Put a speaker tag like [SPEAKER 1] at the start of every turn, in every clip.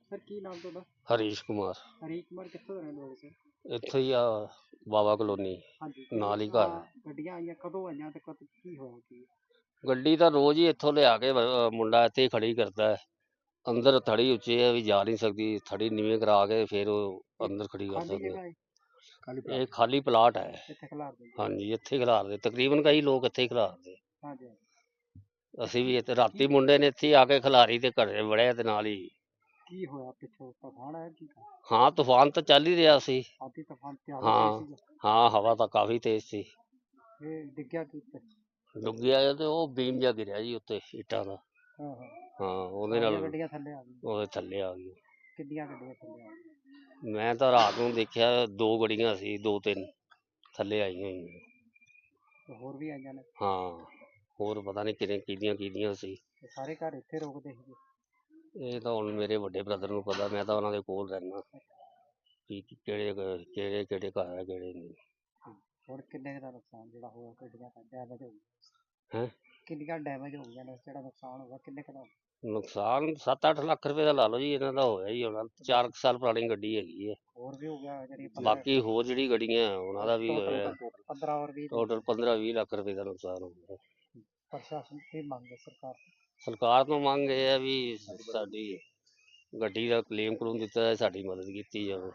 [SPEAKER 1] Sir ਕੀ ਨਾਮ ਤੁਹਾਡਾ?
[SPEAKER 2] ਹਰੀਸ਼ ਕੁਮਾਰ
[SPEAKER 1] ਹਰੀਸ਼ ਕੁਮਾਰ ਕਿੱਥੋਂ ਦੇ ਰਹਿਣ ਵਾਲੇ ਸਰ?
[SPEAKER 2] ਇੱਥੇ ਹੀ ਆ ਬਾਬਾ ਕਲੋਨੀ
[SPEAKER 1] ਹਾਂਜੀ
[SPEAKER 2] ਨਾਲ ਹੀ ਘਰ।
[SPEAKER 1] ਗੱਡੀਆਂ ਆਈਆਂ ਕਦੋਂ ਆਈਆਂ ਤੇ ਕਦ ਕੀ ਹੋਇਆ ਕੀ?
[SPEAKER 2] ਗੱਡੀ ਤਾਂ ਰੋਜ਼ ਹੀ ਇੱਥੋਂ ਲਿਆ ਕੇ ਮੁੰਡਾ ਇੱਥੇ ਹੀ ਖੜੀ ਕਰਦਾ ਹੈ। ਅੰਦਰ ਥੜੀ ਉੱਚੀ ਹੈ ਵੀ ਜਾ ਨਹੀਂ ਸਕਦੀ, ਥੜੀ ਨੀਵੇਂ ਕਰਾ ਕੇ ਫਿਰ ਉਹ ਅੰਦਰ ਖੜੀ ਕਰ
[SPEAKER 1] ਖਾਲੀ
[SPEAKER 2] ਸਕਦੇ।
[SPEAKER 1] ਜਗ੍ਹਾ ਹੈ?
[SPEAKER 2] ਇਹ ਖਾਲੀ ਪਲਾਟ ਹੈ।
[SPEAKER 1] ਇੱਥੇ ਖਿਲਾਰ ਦਿੰਦੇ?
[SPEAKER 2] ਹਾਂਜੀ, ਇੱਥੇ ਹੀ ਖਿਲਾਰਦੇ, ਤਕਰੀਬਨ ਕਈ ਲੋਕ ਇੱਥੇ ਹੀ ਖਿਲਾਰਦੇ।
[SPEAKER 1] ਹਾਂਜੀ।
[SPEAKER 2] ਅਸੀਂ ਵੀ ਇੱਥੇ ਰਾਤੀ ਮੁੰਡੇ ਨੇ ਇੱਥੇ ਹੀ ਆ ਕੇ ਖਿਲਾਰੀ ਤੇ ਘਰੇ ਵੜਿਆ ਤੇ ਨਾਲ ਹੀ।
[SPEAKER 1] ਕੀ ਹੋਇਆ ਪਿੱਛੋਂ ਤੂਫਾਨ ਆਇਆ ਕੀ?
[SPEAKER 2] ਹਾਂ, ਤੂਫਾਨ ਤਾਂ ਚੱਲ ਹੀ ਰਿਹਾ ਸੀ।
[SPEAKER 1] ਆਤੀ ਤੂਫਾਨ ਤੇ ਆ
[SPEAKER 2] ਹਾਂ
[SPEAKER 1] ਗਈ ਸੀ?
[SPEAKER 2] ਹਾਂ, ਹਵਾ ਤਾਂ ਕਾਫੀ ਤੇਜ਼ ਸੀ।
[SPEAKER 1] ਇਹ ਡਿੱਗਿਆ ਕੀ ਉੱਤੇ?
[SPEAKER 2] ਡੁੱਗਿਆ ਤੇ ਉਹ ਬੀਮ ਜਿਹਾ ਗਿਰਿਆ ਜੀ ਉੱਤੇ ਇੱਟਾਂ ਦਾ।
[SPEAKER 1] ਹਾਂ ਹਾਂ।
[SPEAKER 2] ਹਾਂ, ਉਹਦੇ ਨਾਲ
[SPEAKER 1] ਗੱਡੀਆਂ ਥੱਲੇ ਆ ਗਈਆਂ?
[SPEAKER 2] ਉਹਦੇ ਥੱਲੇ ਆ ਗਈ।
[SPEAKER 1] ਕਿੰਨੀਆਂ ਗੱਡੀਆਂ ਥੱਲੇ ਆ ਗਈਆਂ?
[SPEAKER 2] ਮੈਂ ਤਾਂ ਰਾਤ ਨੂੰ ਦੇਖਿਆ 2 ਗੱਡੀਆਂ ਸੀ, 2-3 ਥੱਲੇ ਆਈਆਂ ਹੋਈਆਂ।
[SPEAKER 1] ਹੋਰ ਵੀ ਆਈਆਂ ਨੇ?
[SPEAKER 2] ਹਾਂ, ਹੋਰ ਪਤਾ ਨਹੀਂ ਕਿਹਦੀਆਂ ਸੀ।
[SPEAKER 1] ਸਾਰੇ ਘਰ ਇੱਥੇ ਰੁਕਦੇ ਸੀ?
[SPEAKER 2] ਇਹ ਤਾਂ ਹੁਣ ਮੇਰੇ ਵੱਡੇ ਬ੍ਰਦਰ ਨੂੰ ਪਤਾ, ਮੈਂ ਤਾਂ ਉਹਨਾਂ ਦੇ ਕੋਲ ਰਹਿਣਾ ਕਿ ਕਿਹੜੇ ਘਰ ਆ ਕਿਹੜੇ ਨਹੀਂ।
[SPEAKER 1] ਹੋਰ ਕਿੰਨੇ ਦਾ ਨੁਕਸਾਨ ਜਿਹੜਾ ਹੋਇਆ ਗੱਡੀਆਂ ਦਾ ਡੈਮੇਜ ਹੋ ਗਿਆ?
[SPEAKER 2] ਹੈਂ?
[SPEAKER 1] ਕਿੰਨੀਆਂ ਡੈਮੇਜ ਹੋ ਗਈਆਂ ਨੇ? ਜਿਹੜਾ ਨੁਕਸਾਨ ਹੋਇਆ ਕਿੰਨੇ ਕੁ ਦਾ?
[SPEAKER 2] ਨੁਕਸਾਨ 7-8 ਲੱਖ ਰੁਪਏ ਦਾ ਲਾ ਲਓ ਜੀ, ਇਹਨਾਂ ਦਾ ਹੋਇਆ ਹੀ ਹੋਣਾ। 4 ਸਾਲ ਪੁਰਾਣੀ ਗੱਡੀ ਹੈਗੀ ਹੈ।
[SPEAKER 1] ਹੋਰ ਵੀ ਹੋ ਗਿਆ ਜਿਹੜੀ
[SPEAKER 2] ਬਾਕੀ ਹੋਰ ਜਿਹੜੀ ਗੱਡੀਆਂ ਉਹਨਾਂ ਦਾ ਵੀ ਹੋਇਆ।
[SPEAKER 1] 15 ਔਰ 20
[SPEAKER 2] ਟੋਟਲ 15-20 ਲੱਖ ਰੁਪਏ ਦਾ ਨੁਕਸਾਨ ਹੋ ਗਿਆ।
[SPEAKER 1] ਪ੍ਰਸ਼ਾਸਨ ਕੀ ਮੰਗ ਹੈ
[SPEAKER 2] ਸਰਕਾਰ ਤੋਂ ਮੰਗ ਇਹ ਹੈ ਵੀ ਸਾਡੀ ਗੱਡੀ ਦਾ ਕਲੇਮ ਦਿੱਤਾ ਜਾਏ, ਸਾਡੀ ਮਦਦ ਕੀਤੀ ਜਾਵੇ।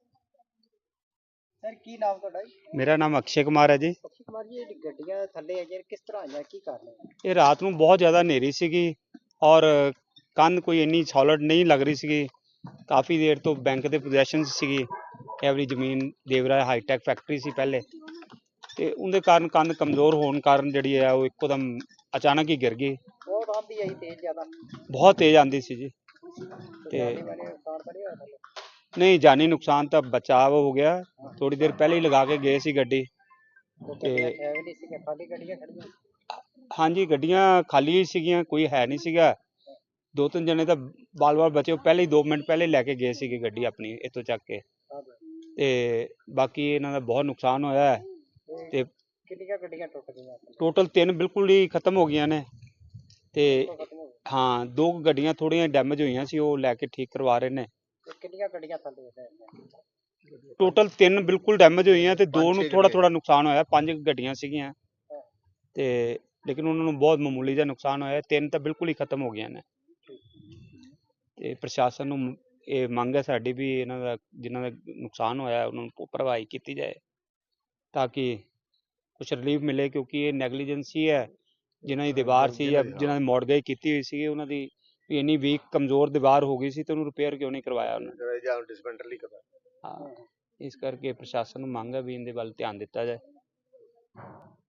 [SPEAKER 1] ਸਰ ਕੀ ਨਾਮ ਤੁਹਾਡਾ?
[SPEAKER 3] ਮੇਰਾ ਨਾਮ ਅਕਸ਼ੇ ਕੁਮਾਰ ਹੈ ਜੀ।
[SPEAKER 1] ਅਕਸ਼ੇ ਕੁਮਾਰ ਜੀ, ਇਹ ਗੱਡੀਆਂ ਥੱਲੇ ਆਈਆਂ ਕਿਸ ਤਰ੍ਹਾਂ ਆਈਆਂ, ਕੀ ਕਾਰਨ ਹੈ?
[SPEAKER 3] ਇਹ ਰਾਤ ਨੂੰ ਬਹੁਤ ਜ਼ਿਆਦਾ ਹਨੇਰੀ ਸੀਗੀ ਔਰ ਕੰਧ ਕੋਈ ਇੰਨੀ ਸੋਲਿਡ ਨਹੀਂ ਲੱਗ ਰਹੀ ਸੀਗੀ। ਕਾਫੀ ਦੇਰ ਤੋਂ ਬੈਂਕ ਦੇ ਪੋਜੈਸ਼ਨ ਸੀਗੀ, ਐਵਰੀ ਜ਼ਮੀਨ ਦੇਵਰਾ ਹਾਈਟੈਕ ਫੈਕਟਰੀ ਸੀ ਪਹਿਲੇ, ਤੇ ਉਹਦੇ ਕਾਰਨ ਕੰਧ ਕਮਜ਼ੋਰ ਹੋਣ ਕਾਰਨ ਜਿਹੜੀ ਹੈ ਉਹ ਇੱਕੋਦਮ ਅਚਾਨਕ ਹੀ ਗਿਰ ਗਈ।
[SPEAKER 1] ਬਹੁਤ ਆਂਦੀ ਆਈ ਤੇਜ਼ ਜ਼ਿਆਦਾ?
[SPEAKER 3] ਬਹੁਤ ਤੇਜ਼ ਆਂਦੀ ਸੀ ਜੀ। ਤੇ ਨਹੀਂ, ਜਾਨੀ ਨੁਕਸਾਨ ਤਾਂ ਬਚਾਅ ਹੋ ਗਿਆ। ਥੋੜੀ ਦੇਰ ਪਹਿਲੇ ਹੀ ਲਗਾ ਕੇ ਗਏ ਸੀ ਗੱਡੀ ਤੇ
[SPEAKER 1] ਖਾਲੀ ਗੱਡੀਆਂ ਖੜੀਆਂ?
[SPEAKER 3] ਹਾਂਜੀ, ਗੱਡੀਆਂ ਖਾਲੀ ਹੀ ਸੀਗੀਆਂ, ਕੋਈ ਹੈ ਨਹੀਂ ਸੀਗਾ। 2-3 ਜਣੇ ਤਾਂ ਬਾਲ ਬਚੇ, ਉਹ ਪਹਿਲੇ ਹੀ 2 ਮਿੰਟ ਪਹਿਲੇ ਲੈ ਕੇ ਗਏ ਸੀਗੇ ਗੱਡੀ ਆਪਣੀ ਇੱਥੋਂ ਚੱਕ ਕੇ। ਤੇ ਬਾਕੀ ਇਹਨਾਂ ਦਾ ਬਹੁਤ ਨੁਕਸਾਨ ਹੋਇਆ ਹੈ। ਤੇ
[SPEAKER 1] ਕਿੰਨੀਆਂ ਗੱਡੀਆਂ ਟੁੱਟ ਗਈਆਂ?
[SPEAKER 3] ਟੋਟਲ 3 ਬਿਲਕੁਲ ਹੀ ਖਤਮ ਹੋ ਗਈਆਂ ਨੇ ਤੇ ਹਾਂ 2 ਗੱਡੀਆਂ ਥੋੜੀਆਂ ਡੈਮੇਜ ਹੋਈਆਂ ਸੀ, ਉਹ ਲੈ ਕੇ ਠੀਕ ਕਰਵਾ ਰਹੇ ਨੇ।
[SPEAKER 1] ਕਿੰਨੀਆਂ ਗੱਡੀਆਂ ਥੱਲੇ?
[SPEAKER 3] ਟੋਟਲ 3 ਬਿਲਕੁਲ ਡੈਮੇਜ ਹੋਈਆਂ ਤੇ 2 ਨੂੰ ਥੋੜਾ ਨੁਕਸਾਨ ਹੋਇਆ। 5 ਗੱਡੀਆਂ ਸੀਗੀਆਂ ਤੇ ਲੇਕਿਨ ਉਹਨਾਂ ਨੂੰ ਬਹੁਤ ਮਾਮੂਲੀ ਜਿਹਾ ਨੁਕਸਾਨ ਹੋਇਆ। 3 ਤਾਂ ਬਿਲਕੁਲ ਹੀ ਖਤਮ ਹੋ ਗਈਆਂ ਨੇ। ਤੇ ਪ੍ਰਸ਼ਾਸਨ ਨੂੰ ਇਹ ਮੰਗ ਹੈ ਸਾਡੀ ਵੀ ਇਹਨਾਂ ਦਾ ਜਿਨ੍ਹਾਂ ਦਾ ਨੁਕਸਾਨ ਹੋਇਆ ਉਹਨਾਂ ਨੂੰ ਭਰਵਾਈ ਕੀਤੀ ਜਾਏ ਤਾਂ ਕਿ ਕੁਛ ਰਿਲੀਫ ਮਿਲੇ, ਕਿਉਂਕਿ ਇਹ ਨੈਗਲੀਜੈਂਸ ਹੀ ਹੈ। ਜਿਨ੍ਹਾਂ ਦੀ ਦੀਵਾਰ ਸੀ ਜਾਂ ਜਿਨ੍ਹਾਂ ਨੇ ਮੋਡਗਾਈ ਕੀਤੀ ਹੋਈ ਸੀ, ਉਹਨਾਂ ਦੀ ਇੰਨੀ ਵੀਕ ਕਮਜ਼ੋਰ ਦੀਵਾਰ ਹੋ ਗਈ ਸੀ ਤੇ ਉਹਨੂੰ ਰਿਪੇਅਰ ਕਿਉਂ ਨਹੀਂ ਕਰਵਾਇਆ ਉਹਨਾਂ ਨੇ? ਹਾਂ, ਇਸ ਕਰਕੇ ਪ੍ਰਸ਼ਾਸਨ ਨੂੰ ਮੰਗ ਹੈ ਵੀ ਇਹਦੇ ਵੱਲ ਧਿਆਨ ਦਿੱਤਾ ਜਾਏ।